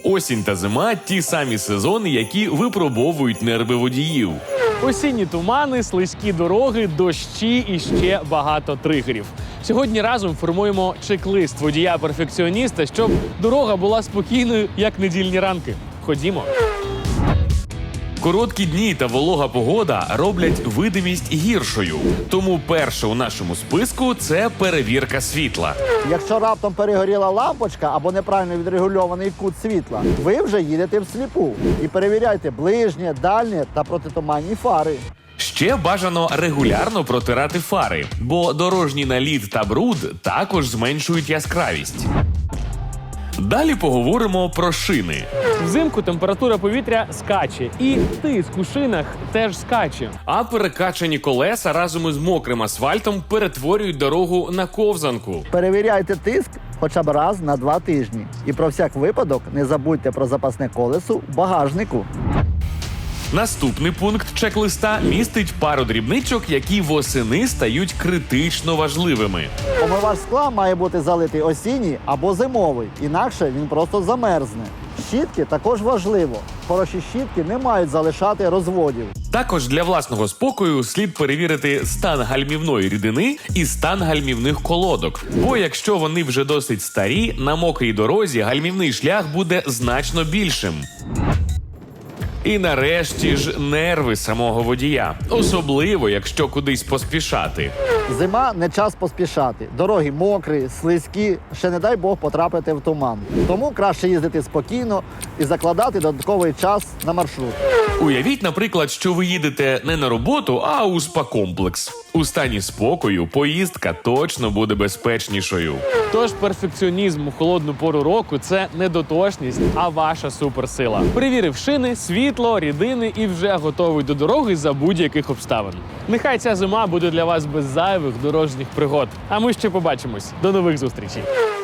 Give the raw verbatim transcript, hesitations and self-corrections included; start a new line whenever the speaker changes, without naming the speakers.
Осінь та зима – ті самі сезони, які випробовують нерви водіїв.
Осінні тумани, слизькі дороги, дощі і ще багато тригерів. Сьогодні разом формуємо чек-лист водія-перфекціоніста, щоб дорога була спокійною, як недільні ранки. Ходімо.
Короткі дні та волога погода роблять видимість гіршою. Тому перше у нашому списку – це перевірка світла.
Якщо раптом перегоріла лампочка або неправильно відрегульований кут світла, ви вже їдете всліпу. І перевіряйте ближнє, дальнє та протитуманні фари.
Ще бажано регулярно протирати фари, бо дорожній наліт та бруд також зменшують яскравість. Далі поговоримо про шини.
Взимку температура повітря скаче, і тиск у шинах теж скаче.
А перекачані колеса разом із мокрим асфальтом перетворюють дорогу на ковзанку.
Перевіряйте тиск хоча б раз на два тижні. І про всяк випадок не забудьте про запасне колесо в багажнику.
Наступний пункт чек-листа містить пару дрібничок, які восени стають критично важливими.
Омивач скла має бути залитий осінній або зимовий, інакше він просто замерзне. Щітки також важливо. Хороші щітки не мають залишати розводів.
Також для власного спокою слід перевірити стан гальмівної рідини і стан гальмівних колодок. Бо якщо вони вже досить старі, на мокрій дорозі гальмівний шлях буде значно більшим. І нарешті ж нерви самого водія. Особливо, якщо кудись поспішати.
Зима – не час поспішати. Дороги мокрі, слизькі, ще не дай Бог потрапити в туман. Тому краще їздити спокійно і закладати додатковий час на маршрут.
Уявіть, наприклад, що ви їдете не на роботу, а у спа-комплекс. У стані спокою поїздка точно буде безпечнішою.
Тож перфекціонізм у холодну пору року – це не дотошність, а ваша суперсила. Перевірив шини, світло, рідини і вже готовий до дороги за будь-яких обставин. Нехай ця зима буде для вас без зайвих дорожніх пригод. А ми ще побачимось. До нових зустрічей!